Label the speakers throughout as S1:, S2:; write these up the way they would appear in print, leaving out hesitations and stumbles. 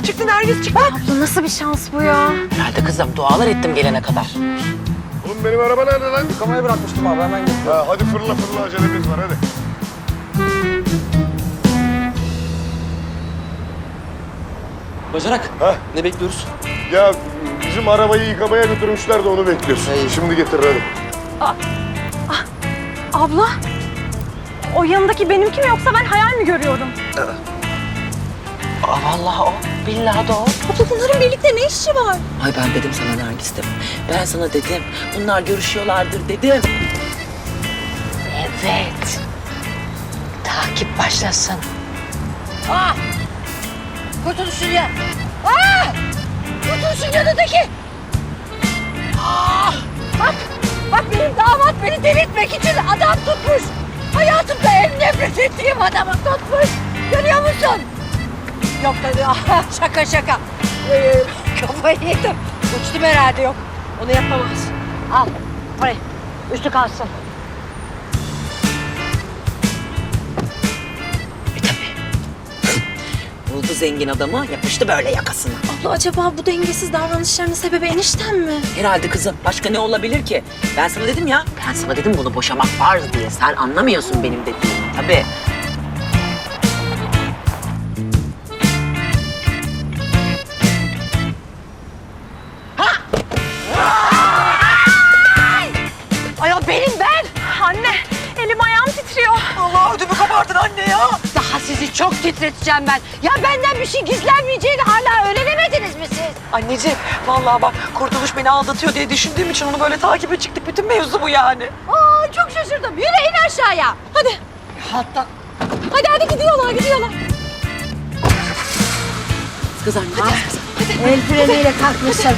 S1: çıktı, Nergis çıktı.
S2: Abla nasıl bir şans bu ya?
S3: Herhalde kızım dualar ettim gelene kadar.
S4: Oğlum benim araba nerede lan?
S5: Yıkamaya bırakmıştım abi, hemen getiriyorum.
S4: Ha, hadi fırla acelemiz var hadi.
S5: Bacanak,
S4: Ha?
S5: ne bekliyoruz?
S4: Ya bizim arabayı yıkamaya götürmüşler de onu bekliyoruz. Şimdi getir hadi.
S2: Abla, o yanındaki benimki mi yoksa ben hayal mi görüyorum?
S3: Aa, vallahi o. Billahi de o.
S2: Abla bunların birlikte ne işi var?
S3: Ay ben dedim sana Nergis dedim. Ben sana dedim. Bunlar görüşüyorlardır dedim. Evet. Takip başlasın.
S1: Kurtuluşun ya. Kurtuluşun yanındaki. Bak benim damat beni delirtmek için adam tutmuş. Hayatımda en nefret ettiğim adamı tutmuş. Görüyor musun? Yok tabii şaka. Kafayı yedim. Uçtum herhalde yok. Onu yapamaz. Al parayı. Üstü kalsın.
S3: Buldu zengin adamı, yapıştı böyle yakasına.
S2: Abla acaba bu dengesiz davranışlarının sebebi enişten mi?
S3: Herhalde kızım. Başka ne olabilir ki? Ben sana dedim ya. Ben sana dedim bunu boşamak farz diye. Sen anlamıyorsun benim dediğimi. Tabii.
S1: Ay o benim ben.
S2: Anne, elim ayağım titriyor.
S1: Allah ödümü kabardın anne ya. Daha sizi çok titreteceğim ben. Ya benden bir şey gizlenmeyeceğini hala öğrenemediniz mi siz?
S6: Anneciğim, vallahi bak Kurtuluş beni aldatıyor diye düşündüğüm için onu böyle takibe çıktık. Bütün mevzu bu yani.
S1: Aa çok şaşırdım. Yürü in aşağıya. Hadi. Hatta. Hadi gidiyorlar.
S3: Kız anne hadi.
S1: El freniyle kalkmışsın.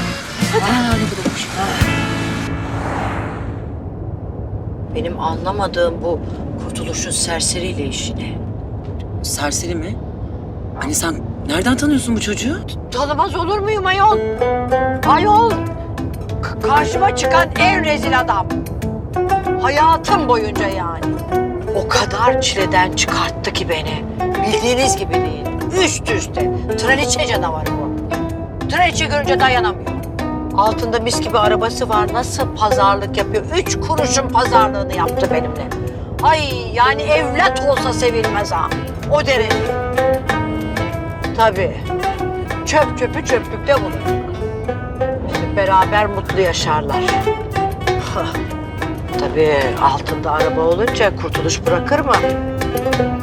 S3: Benim anlamadığım bu Kurtuluş'un serseriyle işine. Serseri mi? Hani sen nereden tanıyorsun bu çocuğu?
S1: Tanımaz olur muyum ayol? Ayol. Karşıma çıkan en rezil adam. Hayatım boyunca yani. O kadar çileden çıkarttı ki beni. Bildiğiniz gibi değil. Üst üste. Traliçe canavarı bu. Traliçe görünce dayanamıyor. Altında mis gibi arabası var. Nasıl pazarlık yapıyor? 3 kuruşun pazarlığını yaptı benimle. Ay yani evlat olsa sevilmez ha. O derece. Tabii. Çöpü çöplükte bulur. Şimdi beraber mutlu yaşarlar. Tabii altında araba olunca kurtuluş bırakır mı?